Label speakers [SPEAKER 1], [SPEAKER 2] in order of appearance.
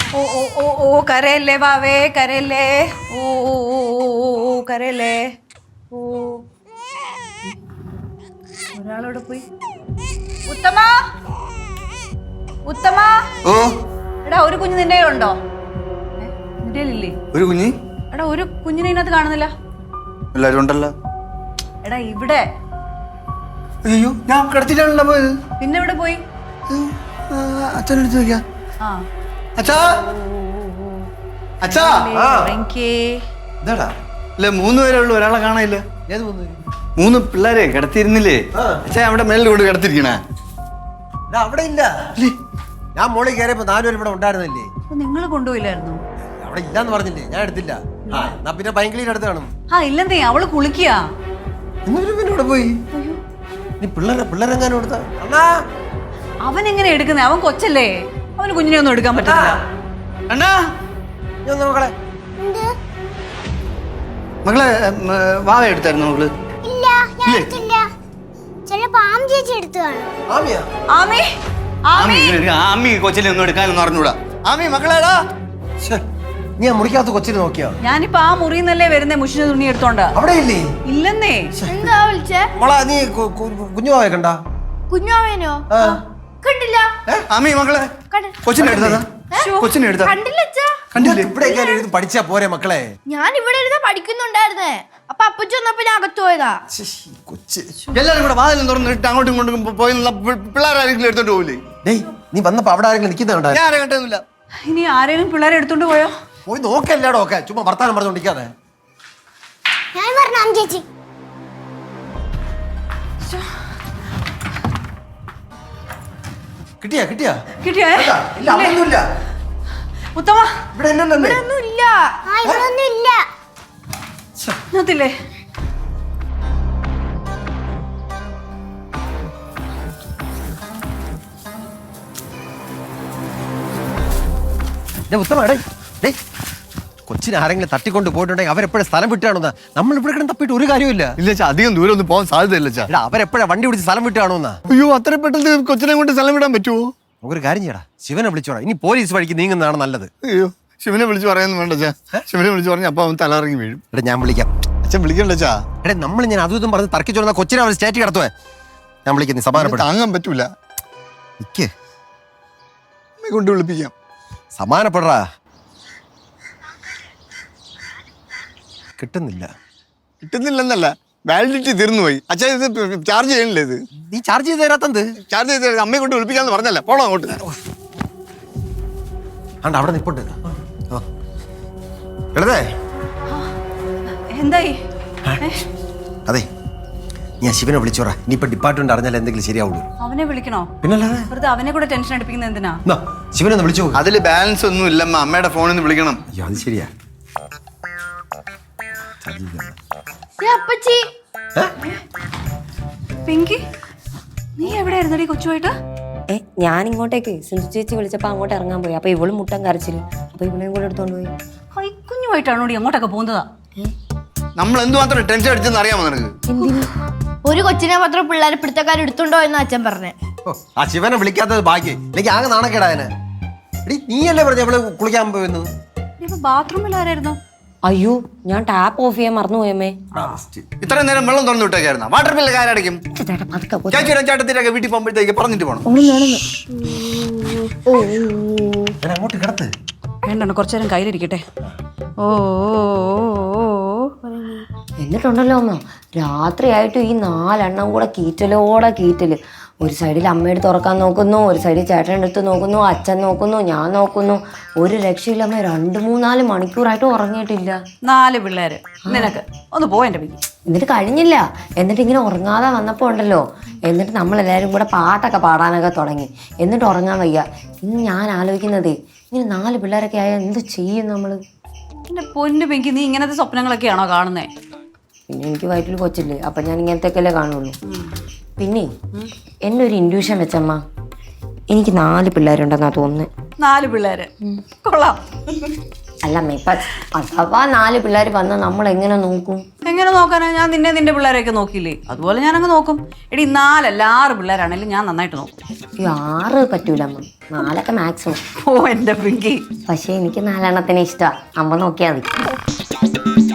[SPEAKER 1] ഓ ഓ ഓ ഓ കരയല്ലേ വാവേ കരയല്ലേ ഓ ഓ ഓ ഓ ഓ കരയല്ലേ ഓ ഒരാളോട് പോയി ഉത്തമ ഉത്തമ
[SPEAKER 2] ഓ
[SPEAKER 1] എടാ ഒരു കുഞ്ഞ് നിന്റെ ഉണ്ടോ നിന്റെ ഇല്ലേ
[SPEAKER 2] ഒരു കുഞ്ഞ്
[SPEAKER 1] എടാ ഒരു കുഞ്ഞിനെ ഇതിനകത്ത് കാണുന്നില്ല
[SPEAKER 2] എല്ലാരും ഉണ്ടല്ലോ
[SPEAKER 1] എടാ ഇവിടെ
[SPEAKER 2] അയ്യോ ഞാൻ കിടത്തിട്ടാണല്ലോ പോയത്
[SPEAKER 1] പിന്നെ എവിടെ പോയി
[SPEAKER 2] അച്ഛനെടുത്ത് നോക്കിയാ
[SPEAKER 1] ആ
[SPEAKER 2] അച്ഛാ അച്ഛാ
[SPEAKER 3] എന്താടാ
[SPEAKER 2] ഇല്ല 3 പേരേ ഉള്ളൂ ഒരാളെ കാണാനില്ല
[SPEAKER 3] ഏത് വന്നു
[SPEAKER 2] 3 പിള്ളേരെ കിടത്തിയിരുന്നില്ലേ അച്ഛാ അവിടെ മേലിൽ കൊണ്ട് കിടത്തിരിക്കണേ
[SPEAKER 3] അവിടെ ഇല്ല ഞാൻ മോളിൽ കയറിയപ്പോ 4 പേര് ഇവിടെ ഉണ്ടായിരുന്നില്ലേ
[SPEAKER 1] നിങ്ങൾ കൊണ്ടുപോയില്ലായിരുന്നു
[SPEAKER 3] അവിടെ ഇല്ലാന്ന് പറഞ്ഞില്ലേ ഞാൻ എടുത്തില്ല ആ എന്നാ പിന്നെ ഭയങ്കര അടുത്ത് കാണും
[SPEAKER 1] ആ ഇല്ലെന്നേ അവള് കുളിക്കുക
[SPEAKER 3] എന്നിട്ട് പിന്നെ ഇവിടെ പോയി നീ പിള്ളേരെങ്ങാനും കൊടുത്താ അണ്ണാ
[SPEAKER 1] അവൻ എങ്ങനെ എടുക്കുന്നേ അവൻ കൊച്ചല്ലേ അവന് കുഞ്ഞിനെ ഒന്നും എടുക്കാൻ പറ്റില്ല
[SPEAKER 2] അണ്ണാ
[SPEAKER 3] നീ ഒന്ന് നോക്കളെ
[SPEAKER 2] മകളെ വാവ എടുത്തായിരുന്നു മകള്
[SPEAKER 4] ഇല്ല ഞാൻ എടുത്തില്ല ചിലപ്പോ ആം ചേച്ചി എടുത്തു കാണും
[SPEAKER 3] ആമിയാ
[SPEAKER 1] ആമി ആമി
[SPEAKER 2] ആമി കൊച്ചിനെ ഒന്നും എടുക്കാനൊന്നും അറിഞ്ഞൂടാ ആമി മകളേടാ
[SPEAKER 3] ശ്ശെ, നീ ആ മുറിക്കകത്ത് കൊച്ചിനെ നോക്കിയോ
[SPEAKER 1] ഞാനിപ്പോ ആ മുറിന്നല്ലേ വരുന്നേ മുഷിന തുണി എടുത്തോണ്ട്
[SPEAKER 3] അവിടെ ഇല്ലേ
[SPEAKER 1] ഇല്ലെന്നേ
[SPEAKER 5] എന്താ വിളിച്ചേ
[SPEAKER 3] മോളാ നീ കുഞ്ഞുമാവെ കണ്ടാ
[SPEAKER 5] കുഞ്ഞാവേനോ
[SPEAKER 3] ആ
[SPEAKER 5] കണ്ടില്ല
[SPEAKER 2] ആമി മകളെ
[SPEAKER 5] കണ്ട-
[SPEAKER 2] കൊച്ചിനെ എടുത്താ കൊച്ചിനെ എടുത്താ
[SPEAKER 5] കണ്ടില്ല അച്ഛാ
[SPEAKER 2] കണ്ടില്ലേ
[SPEAKER 3] ഇവിടെ ഇരുന്ന് പഠിച്ചാ പോരെ മക്കളെ
[SPEAKER 5] ഞാൻ ഇവിടെ ഇരുന്ന് പഠിക്കുന്നുണ്ടായിരുന്നേ അപ്പൊ അപ്പച്ചി വന്നപ്പോ ഞാൻ അകത്ത് പോയതാ
[SPEAKER 3] ശ്ശെ, ഈ കൊച്ച്
[SPEAKER 2] എല്ലാരും കൂടെ വാതിലും തുറന്നിട്ട് അങ്ങോട്ടും ഇങ്ങോട്ടും പോയി പിള്ളേരാരെങ്കിലും എടുത്തോണ്ട് പോകില്ലേ
[SPEAKER 3] ഡേയ് നീ വന്നപ്പോ അവിടെ ആരെങ്കിലും നിൽക്കുന്നുണ്ടോ
[SPEAKER 2] ഞാൻ ആരെ കണ്ടൊന്നുമില്ല
[SPEAKER 1] ഇനി ആരെങ്കിലും പിള്ളേരെ എടുത്തോണ്ട് പോയോ
[SPEAKER 3] പോയി നോക്കല്ലാടോ ഒക്കെ ചുമ്മാ വർത്താനം പറഞ്ഞോണ്ടിരിക്കാതെ
[SPEAKER 4] ഞാൻ പറഞ്ഞു ആം ചേച്ചി
[SPEAKER 3] കിട്ടിയാ കിട്ടിയാ
[SPEAKER 1] കിട്ടിയേ
[SPEAKER 3] ഇല്ല അവിടെയൊന്നുമില്ല
[SPEAKER 1] ഉത്തമ
[SPEAKER 3] ഇവിടെ ഇല്ലല്ലേ
[SPEAKER 5] ഒന്നും ഇല്ല
[SPEAKER 4] ആ ഇവിടെ ഒന്നും ഇല്ല
[SPEAKER 1] ഇതിനകത്തില്ലേ
[SPEAKER 3] ഉത്തമ ഡേ കൊച്ചിനെ ആരെങ്കിലും തട്ടിക്കൊണ്ട് പോയിട്ടുണ്ടെങ്കിൽ അവരെപ്പോഴും സ്ഥലം വിട്ടാണോന്നാ നമ്മൾ ഇവിടെ കിടന്ന് തപ്പിട്ട് ഒരു കാര്യമില്ല
[SPEAKER 2] ഇല്ല ചാ അധികം ദൂരം ഒന്നും പോകാൻ സാധ്യതയില്ല ചാ
[SPEAKER 3] എടാ അവരെപ്പോഴാ വണ്ടി പിടിച്ച് സ്ഥലം വിട്ടാണോന്നാ
[SPEAKER 2] അയ്യോ അത്ര പെട്ടെന്ന് കൊച്ചിനെ കൊണ്ട് സ്ഥലം വിടാൻ പറ്റുമോ
[SPEAKER 3] നമുക്കൊരു കാര്യം ചെയ്യടാ ശിവനെ വിളിച്ചോടാ ഇനി പോലീസ് വഴിക്ക് നീങ്ങുന്നതാണ് നല്ലത്
[SPEAKER 2] അയ്യോ ശിവനെ വിളിച്ച് പറയാനൊന്നും വേണ്ട ചാ ശിവനെ വിളിച്ച് പറഞ്ഞ അപ്പൊ അവൻ തലയിറങ്ങി വീഴും
[SPEAKER 3] എടാ ഞാൻ വിളിക്കാം
[SPEAKER 2] അച്ഛൻ വിളിക്കണ്ട ചാ
[SPEAKER 3] എടാ നമ്മൾ ഞാൻ അതും ഇതും പറഞ്ഞ് തർക്കിച്ചോടുന്ന കൊച്ചിനെ അവർ സ്റ്റേറ്റ് കിടത്തുവേ ഞാൻ വിളിക്കാം നീ സമാധാനപ്പെടാ
[SPEAKER 2] താങ്ങാൻ പറ്റൂല
[SPEAKER 3] നിക്ക്
[SPEAKER 2] അമ്മയെ കൊണ്ട് വിളിപ്പിക്കാം
[SPEAKER 3] സമാധാനപ്പെടറാ കിട്ടുന്നില്ല
[SPEAKER 2] കിട്ടുന്നില്ലെന്നല്ല വാലിഡിറ്റി തീർന്നു പോയി അച്ഛൻ ഇത് ചാർജ് ചെയ്യണില്ലേ ഇത്
[SPEAKER 3] നീ ചാർജ് ചെയ്ത് തരാത്തത്
[SPEAKER 2] ചാർജ് ചെയ്ത് അമ്മയെ കൊണ്ട് വിളിപ്പിക്കാന്ന് പറഞ്ഞല്ലേ പോണോ അങ്ങോട്ട്
[SPEAKER 3] ആണ്ട് അവിടെ നിപ്പുണ്ട് എടതേ
[SPEAKER 1] എന്തായി
[SPEAKER 3] അതെ ഞാൻ ശിവനെ വിളിച്ചോറാ ഇനിയിപ്പോ ഡിപ്പാർട്ട്മെന്റ് അറിഞ്ഞാൽ എന്തെങ്കിലും ശരിയാവുള്ളൂ
[SPEAKER 1] അവനെ വിളിക്കണോ
[SPEAKER 3] പിന്നല്ലാതെ
[SPEAKER 1] വെറുതെ അവനെ കൂടെ ടെൻഷൻ അടിപ്പിക്കുന്നത് എന്തിനാ
[SPEAKER 3] എന്നാ, ശിവനെ ഒന്ന് വിളിച്ചു നോക്ക്.
[SPEAKER 2] അതില് ബാലൻസ് ഒന്നും ഇല്ലമ്മ അമ്മയുടെ ഫോണിൽ നിന്ന് വിളിക്കണം
[SPEAKER 3] അയ്യോ അത് ശരിയാ
[SPEAKER 5] അപ്പച്ചി
[SPEAKER 1] പിങ്കി നീ എവിടെയായിരുന്നടി കൊച്ചുമായിട്ട്
[SPEAKER 6] ഞാൻ ഇങ്ങോട്ടേക്ക് സിന്ധു ചേച്ചി വിളിച്ചപ്പോ അങ്ങോട്ട് ഇറങ്ങാൻ പോയി അപ്പൊ ഇവളും മുട്ടൻ കരച്ചില് അപ്പൊ ഇവളെയും കൂടെ എടുത്തോണ്ട് പോയി
[SPEAKER 1] കൈക്കുഞ്ഞുമായിട്ടാണോടി അങ്ങോട്ടൊക്കെ പോകുന്നതാ
[SPEAKER 2] നമ്മൾ എന്തുമാത്രം ടെൻഷൻ അടിച്ചെന്ന് അറിയാമോ നിനക്ക്
[SPEAKER 5] ഒരു കൊച്ചിനെ മാത്രം പിള്ളേരെ പിടുത്തക്കാർ എടുത്തുണ്ടോ എന്ന് അച്ഛൻ പറഞ്ഞേ
[SPEAKER 3] ഓ, ആ ശിവനെ വിളിക്കാത്തത് ഭാഗ്യം എനിക്ക് ആകെ നാണക്കേടായനെ എടി നീയല്ലേ പറഞ്ഞ അവള് കുളിക്കാൻ പോയെന്ന്
[SPEAKER 1] ബാത്റൂമിൽ ആരായിരുന്നു
[SPEAKER 6] അയ്യോ ഞാൻ ടാപ്പ് ഓഫ് ചെയ്യാൻ മറന്നുപോയമ്മേ
[SPEAKER 2] ഇത്രയും നേരം വെള്ളം തുറന്നു വിട്ടേക്കായിരുന്നു വാട്ടർ ബില്ല് ആരടയ്ക്കും ചേച്ചിയുടെ ചേട്ടത്തിനൊക്കെ വീട്ടിൽ പോകുമ്പോഴത്തേക്ക് പറഞ്ഞിട്ട് പോകണം
[SPEAKER 3] ഞാൻ അങ്ങോട്ട് കിടത്ത്
[SPEAKER 1] വേണ്ട കുറച്ചു നേരം കയ്യിലിരിക്കട്ടെ ഓ
[SPEAKER 6] എന്നിട്ടുണ്ടല്ലോ അമ്മ രാത്രിയായിട്ട് ഈ 4 എണ്ണം കൂടെ കീറ്റലോടെ കീറ്റല് ഒരു സൈഡിൽ അമ്മയുടെ തുറക്കാൻ നോക്കുന്നു ഒരു സൈഡിൽ ചേട്ടൻ എടുത്ത് നോക്കുന്നു അച്ഛൻ നോക്കുന്നു ഞാൻ നോക്കുന്നു ഒരു രക്ഷയില്ല അമ്മ 2-3-4 മണിക്കൂറായിട്ട് ഉറങ്ങിയിട്ടില്ല
[SPEAKER 1] 4 പിള്ളേര് നിനക്ക് ഒന്ന് പോ എന്റെ പിങ്കി
[SPEAKER 6] എന്നിട്ട് കഴിഞ്ഞില്ല എന്നിട്ട് ഇങ്ങനെ ഉറങ്ങാതെ വന്നപ്പോൾ ഉണ്ടല്ലോ എന്നിട്ട് നമ്മളെല്ലാവരും കൂടെ പാട്ടൊക്കെ പാടാനൊക്കെ തുടങ്ങി എന്നിട്ട് ഉറങ്ങാൻ വയ്യ ഇന്ന് ഞാൻ ആലോചിക്കുന്നതേ ഇങ്ങനെ 4 പിള്ളേരൊക്കെ ആയാൽ എന്ത് ചെയ്യും നമ്മൾ
[SPEAKER 1] എന്റെ പൊന്നു പിങ്കി നീ ഇങ്ങനത്തെ സ്വപ്നങ്ങളൊക്കെയാണോ കാണുന്നേ
[SPEAKER 6] പിന്നെ എനിക്ക് വയറ്റിൽ കൊച്ചില്ലേ അപ്പം ഞാൻ ഇങ്ങനത്തെയൊക്കെയല്ലേ കാണുള്ളൂ പിന്നെ എൻ്റെ ഒരു ഇൻഡ്യൂഷൻ വെച്ചമ്മ എനിക്ക് 4 പിള്ളേരുണ്ടെന്നാ തോന്നുന്നത്
[SPEAKER 1] 4 പിള്ളേര് കൊള്ളാം
[SPEAKER 6] അല്ല അമ്മ ഇപ്പൊ അഥവാ 4 പിള്ളേർ വന്ന് നമ്മൾ എങ്ങനെ നോക്കും?
[SPEAKER 1] എങ്ങനെ നോക്കാനാ? ഞാൻ നിന്റെ പിള്ളേരെയൊക്കെ നോക്കിയില്ലേ, അതുപോലെ ഞാനങ്ങ് നോക്കും. എടി 4 അല്ല 6 പിള്ളേരാണെങ്കിലും ഞാൻ നന്നായിട്ട് നോക്കും.
[SPEAKER 6] 6 പറ്റൂല അമ്മ, 4 മാക്സിമം.
[SPEAKER 1] ഓ എന്റെ പിങ്കി.
[SPEAKER 6] പക്ഷെ എനിക്ക് 4 എണ്ണത്തിന് ഇഷ്ടമാണ്. അമ്മ നോക്കിയാൽ മതി.